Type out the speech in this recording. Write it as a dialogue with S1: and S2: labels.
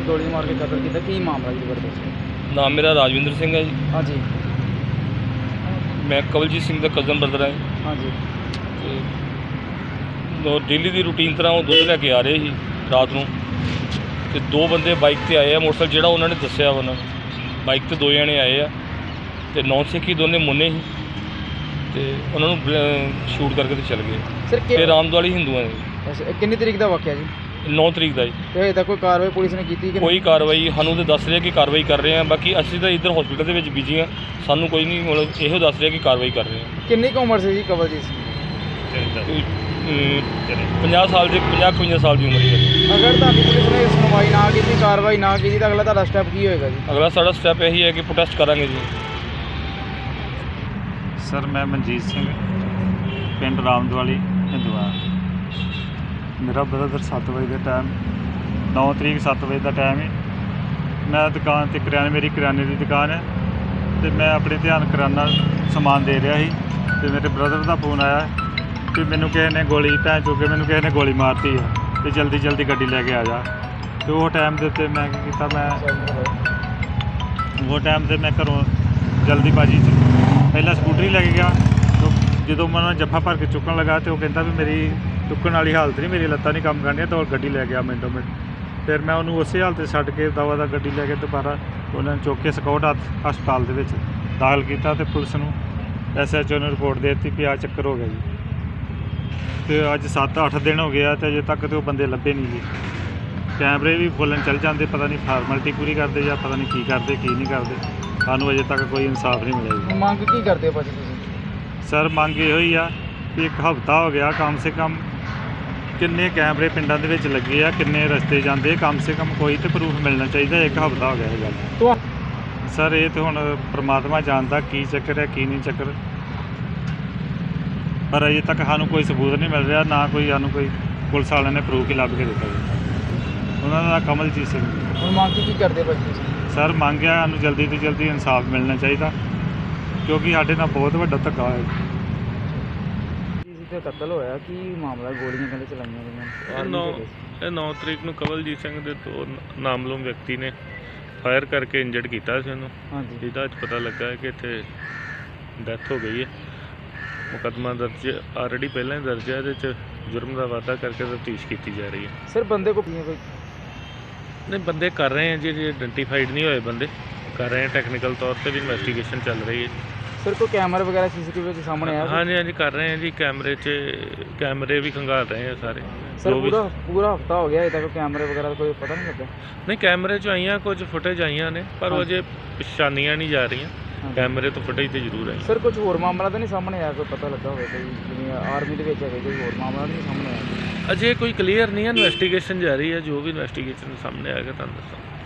S1: ਸੀ ਗੋਲੀ ਮਾਰ ਕੇ ਕਤਲ ਕੀਤਾ, ਕੀ ਮਾਮਲਾ ਜੀ ਬਰਦਰ?
S2: ਨਾਮ ਮੇਰਾ ਰਾਜਵਿੰਦਰ ਸਿੰਘ ਹੈ ਜੀ।
S1: ਹਾਂਜੀ
S2: ਮੈਂ ਕਵਲਜੀਤ ਸਿੰਘ ਦਾ ਕਜ਼ਨ ਬ੍ਰਦਰ ਹਾਂ ਜੀ।
S1: ਹਾਂਜੀ
S2: ਤੇ ਡੇਲੀ ਦੀ ਰੂਟੀਨ ਤਰ੍ਹਾਂ ਉਹ ਦੁੱਧ ਲੈ ਕੇ ਆ ਰਹੇ ਸੀ ਰਾਤ ਨੂੰ, ਤੇ ਦੋ ਬੰਦੇ ਬਾਈਕ ਤੇ ਆਏ ਆ। ਮੋਟਰਸਾਈਕਲ ਜਿਹੜਾ ਉਹਨਾਂ ਨੇ ਦੱਸਿਆ ਉਹਨਾਂ ਨੂੰ, ਬਾਈਕ ਤੇ ਦੋ ਜਣੇ ਆਏ ਆ ਤੇ ਨੌਨ ਸਿੱਖੀ ਦੋਨੇ ਮੁੰਨੇ ਸੀ, ਤੇ ਉਹਨਾਂ ਨੂੰ ਸ਼ੂਟ ਕਰਕੇ ਤੇ ਚਲ ਗਏ।
S1: ਸਰ
S2: ਤੇ ਰਾਮਦਵਾਲੀ ਹਿੰਦੂਆਂ ਦੇ।
S1: ਅੱਛਾ, ਇਹ ਕਿੰਨੀ ਤਰੀਕ ਦਾ ਵਾਕਿਆ ਜੀ?
S2: 9 ਤਰੀਕ ਦਾ ਜੀ।
S1: ਤੇ ਹਜੇ ਤੱਕ ਕੋਈ ਕਾਰਵਾਈ ਪੁਲਿਸ ਨੇ ਕੀਤੀ ਕਿ
S2: ਕੋਈ ਕਾਰਵਾਈ ਸਾਨੂੰ ਤਾਂ ਦੱਸ ਰਿਹਾ ਕਿ ਕਾਰਵਾਈ ਕਰ ਰਹੇ ਆ, ਬਾਕੀ ਅਸੀਂ ਤਾਂ ਇੱਧਰ ਹਸਪੀਟਲ ਦੇ ਵਿੱਚ ਬਿਜੀ ਆ, ਸਾਨੂੰ ਕੋਈ ਨਹੀਂ ਮਤਲਬ ਇਹੋ ਦੱਸ ਰਿਹਾ ਕਿ ਕਾਰਵਾਈ ਕਰ ਰਹੇ ਆ।
S1: ਕਿੰਨੀ ਕੁ ਉਮਰ ਸੀ ਜੀ ਕਵਲਜੀਤ ਸਿੰਘ?
S2: 50 ਸਾਲ ਦੀ, 50-55 ਸਾਲ ਦੀ ਉਮਰ ਹੈ।
S1: ਅਗਰ ਤੁਹਾਡੀ ਪੁਲਿਸ ਨੇ ਸੁਣਵਾਈ ਨਾ ਕੀਤੀ, ਕਾਰਵਾਈ ਨਾ ਕੀਤੀ ਤਾਂ ਅਗਲਾ ਤੁਹਾਡਾ ਸਟੈਪ ਕੀ ਹੋਏਗਾ ਜੀ?
S2: ਅਗਲਾ ਸਾਡਾ ਸਟੈਪ ਇਹੀ ਹੈ ਕਿ ਪ੍ਰੋਟੈਸਟ ਕਰਾਂਗੇ ਜੀ।
S3: ਸਰ ਮੈਂ ਮਨਜੀਤ ਸਿੰਘ, ਪਿੰਡ ਰਾਮਦਵਾਲੀ ਹਿੰਦੂਆ। ਮੇਰਾ ਬ੍ਰਦਰ 7 ਵਜੇ ਦਾ ਟਾਈਮ, 9 ਤਰੀਕ 7 ਵਜੇ ਦਾ ਟਾਈਮ ਹੈ। ਮੈਂ ਦੁਕਾਨ 'ਤੇ ਮੇਰੀ ਕਰਿਆਨੇ ਦੀ ਦੁਕਾਨ ਹੈ, ਅਤੇ ਮੈਂ ਆਪਣੇ ਧਿਆਨ ਕਰਿਆਨਾ ਸਮਾਨ ਦੇ ਰਿਹਾ ਸੀ, ਅਤੇ ਮੇਰੇ ਬ੍ਰਦਰ ਦਾ ਫੋਨ ਆਇਆ ਕਿ ਮੈਨੂੰ ਕਿਸੇ ਨੇ ਗੋਲੀ ਮੈਨੂੰ ਕਿਸੇ ਨੇ ਗੋਲੀ ਮਾਰਤੀ ਹੈ, ਅਤੇ ਜਲਦੀ ਗੱਡੀ ਲੈ ਕੇ ਆ ਜਾ। ਅਤੇ ਉਹ ਟਾਈਮ ਦੇ ਉੱਤੇ ਮੈਂ ਕੀ ਕੀਤਾ, ਮੈਂ ਘਰੋਂ ਜਲਦੀਬਾਜ਼ੀ 'ਚ ਪਹਿਲਾਂ ਸਕੂਟਰੀ ਲੈ ਕੇ ਗਿਆ। ਜਦੋਂ ਮੈਂ ਉਹਨਾਂ ਜੱਫਾ ਭਰ ਕੇ ਚੁੱਕਣ ਲੱਗਾ, ਅਤੇ ਉਹ ਕਹਿੰਦਾ ਵੀ ਮੇਰੀ ਚੁੱਕਣ ਵਾਲੀ ਹਾਲਤ ਨਹੀਂ, ਮੇਰੀ ਲੱਤਾਂ ਨਹੀਂ ਕੰਮ ਕਰਨੀਆਂ, ਤਾਂ ਉਹ ਗੱਡੀ ਲੈ ਗਿਆ ਮਿੰਟੋ ਮਿੰਟ। ਫਿਰ ਮੈਂ ਉਹਨੂੰ ਉਸੇ ਹਾਲਤ 'ਤੇ ਛੱਡ ਕੇ ਦਵਾ ਦਾ ਗੱਡੀ ਲੈ ਕੇ ਦੁਬਾਰਾ ਉਹਨਾਂ ਨੂੰ ਚੁੱਕ ਕੇ ਸਕਾਊਟ ਹਸਪਤਾਲ ਦੇ ਵਿੱਚ ਦਾਖਲ ਕੀਤਾ, ਅਤੇ ਪੁਲਿਸ ਨੂੰ SHO ਨੂੰ ਰਿਪੋਰਟ ਦੇ ਦਿੱਤੀ ਵੀ ਆਹ ਚੱਕਰ ਹੋ ਗਿਆ ਜੀ। ਅਤੇ ਅੱਜ 7-8 ਦਿਨ ਹੋ ਗਏ ਆ, ਅਤੇ ਅਜੇ ਤੱਕ ਤਾਂ ਉਹ ਬੰਦੇ ਲੱਭੇ ਨਹੀਂ ਜੀ। ਕੈਮਰੇ ਵੀ ਬੋਲਣ ਚੱਲ ਜਾਂਦੇ, ਪਤਾ ਨਹੀਂ ਫਾਰਮੈਲਿਟੀ ਪੂਰੀ ਕਰਦੇ ਜਾਂ ਪਤਾ ਨਹੀਂ ਕੀ ਕਰਦੇ ਕੀ ਨਹੀਂ ਕਰਦੇ। ਸਾਨੂੰ ਅਜੇ ਤੱਕ ਕੋਈ ਇਨਸਾਫ ਨਹੀਂ ਮਿਲਿਆ ਜੀ।
S1: ਮੰਗ ਕੀ ਕਰਦੇ ਹੋ ਭਾਜੀ ਤੁਸੀਂ?
S3: ਸਰ ਮੰਗ ਇਹੋ ਹੀ ਆ ਵੀ ਇੱਕ ਹਫ਼ਤਾ ਹੋ ਗਿਆ ਕਮ ਸੇ ਕਮ, ਕਿੰਨੇ ਕੈਮਰੇ ਪਿੰਡਾਂ ਦੇ ਵਿੱਚ ਲੱਗੇ ਆ, ਕਿੰਨੇ ਰਸਤੇ ਜਾਂਦੇ, ਕਮ ਸੇ ਕਮ ਕੋਈ ਤਾਂ ਪ੍ਰੂਫ ਮਿਲਣਾ ਚਾਹੀਦਾ। ਇੱਕ ਹਫ਼ਤਾ ਹੋ ਗਿਆ ਇਹ ਗੱਲ। ਸਰ ਇਹ ਤਾਂ ਹੁਣ ਪ੍ਰਮਾਤਮਾ ਜਾਣਦਾ ਕੀ ਚੱਕਰ ਹੈ ਕੀ ਨਹੀਂ ਚੱਕਰ, ਪਰ ਅਜੇ ਤੱਕ ਸਾਨੂੰ ਕੋਈ ਸਬੂਤ ਨਹੀਂ ਮਿਲ ਰਿਹਾ, ਨਾ ਕੋਈ ਸਾਨੂੰ ਕੋਈ ਪੁਲਿਸ ਵਾਲਿਆਂ ਨੇ ਪ੍ਰੂਫ ਹੀ ਲੱਭ ਕੇ ਦਿੱਤਾ ਜੀ। ਉਹਨਾਂ ਦਾ ਕਮਲਜੀਤ ਸਿੰਘ।
S1: ਹੁਣ ਮੰਗ ਕੀ ਕਰਦੇ ਭਾਜੀ ਤੁਸੀਂ?
S3: ਸਰ ਮੰਗ ਆ ਸਾਨੂੰ ਜਲਦੀ ਤੋਂ ਜਲਦੀ ਇਨਸਾਫ ਮਿਲਣਾ ਚਾਹੀਦਾ, ਕਿਉਂਕਿ ਸਾਡੇ ਨਾਲ ਬਹੁਤ ਵੱਡਾ ਧੱਕਾ ਹੋਇਆ।
S1: ਤੇ ਕਤਲ ਹੋਇਆ, ਕੀ ਮਾਮਲਾ? ਗੋਲੀਆਂ ਕਹਿੰਦੇ ਚਲਾਈਆਂ ਗਈਆਂ।
S4: ਇਹ 9 ਤਰੀਕ ਨੂੰ ਕਵਲਜੀਤ ਸਿੰਘ ਦੇ ਦੋ ਨਾਮਲੂਮ ਵਿਅਕਤੀ ਨੇ ਫਾਇਰ ਕਰਕੇ ਇੰਜਰਡ ਕੀਤਾ ਸੀ ਉਹਨੂੰ।
S1: ਹਾਂਜੀ
S4: ਜਿਹਦਾ ਅੱਜ ਪਤਾ ਲੱਗਾ ਹੈ ਕਿ ਇੱਥੇ ਡੈਥ ਹੋ ਗਈ ਹੈ। ਮੁਕੱਦਮਾ ਦਰਜ ਆਲਰੇਡੀ ਪਹਿਲਾਂ ਹੀ ਦਰਜ ਹੈ, ਇਹਦੇ 'ਚ ਜੁਰਮ ਦਾ ਵਾਧਾ ਕਰਕੇ ਤਫਤੀਸ਼ ਕੀਤੀ ਜਾ ਰਹੀ ਹੈ।
S1: ਸਰ ਬੰਦੇ ਕੋ ਕੋਈ
S4: ਨਹੀਂ, ਬੰਦੇ ਕਰ ਰਹੇ ਹੈ ਜੀ, ਆਇਡੈਂਟੀਫਾਈਡ ਨਹੀਂ ਹੋਏ ਬੰਦੇ ਕਰ ਰਹੇ ਹੈ, ਟੈਕਨੀਕਲ ਤੌਰ 'ਤੇ ਵੀ ਇਨਵੈਸਟੀਗੇਸ਼ਨ ਚੱਲ ਰਹੀ ਹੈ।
S1: ਸਰ ਕੋਈ ਕੈਮਰਾ ਵਗੈਰਾ CCTV ਵਿੱਚ ਸਾਹਮਣੇ ਆਇਆ?
S4: ਹਾਂਜੀ ਕਰ ਰਹੇ ਹੈ ਜੀ, ਕੈਮਰੇ ਵੀ ਖੰਗਾਲ ਰਹੇ ਹੈ ਸਾਰੇ।
S1: ਸਰ ਪੂਰਾ ਹਫਤਾ ਹੋ ਗਿਆ, ਅਜੇ ਤੱਕ ਕੈਮਰੇ ਵਗੈਰਾ ਦਾ ਕੋਈ ਪਤਾ ਨਹੀਂ ਲੱਗਾ?
S4: ਨਹੀਂ, ਕੈਮਰੇ 'ਚ ਆਈਆਂ ਕੁਝ ਫੁਟੇਜ ਆਈਆਂ ਨੇ, ਪਰ ਉਹ ਅਜੇ ਪਛਾਣੀਆਂ ਨਹੀਂ ਜਾ ਰਹੀਆਂ। ਕੈਮਰੇ ਤੋਂ ਫੁਟੇਜ ਤੇ ਜ਼ਰੂਰ ਆਈ।
S1: ਸਰ ਕੁਝ ਹੋਰ ਮਾਮਲਾ ਤਾਂ ਨਹੀਂ ਸਾਹਮਣੇ ਆਇਆ, ਕੋਈ ਪਤਾ ਲੱਗਾ ਹੋਵੇ ਕੋਈ ਜਿਵੇਂ ਆਰਮੀ ਦੇ ਵਿੱਚ ਹੈਗੇ, ਕੋਈ ਹੋਰ ਮਾਮਲਾ ਨਹੀਂ ਸਾਹਮਣੇ ਆਇਆ?
S4: ਅਜੇ ਕੋਈ ਕਲੀਅਰ ਨਹੀਂ ਹੈ, ਇਨਵੈਸਟੀਗੇਸ਼ਨ ਜਾਰੀ ਹੈ। ਜੋ ਵੀ ਇਨਵੈਸਟੀਗੇਸ਼ਨ ਸਾਹਮਣੇ ਆਏਗਾ ਤੁਹਾਨੂੰ ਦੱਸਾਂ।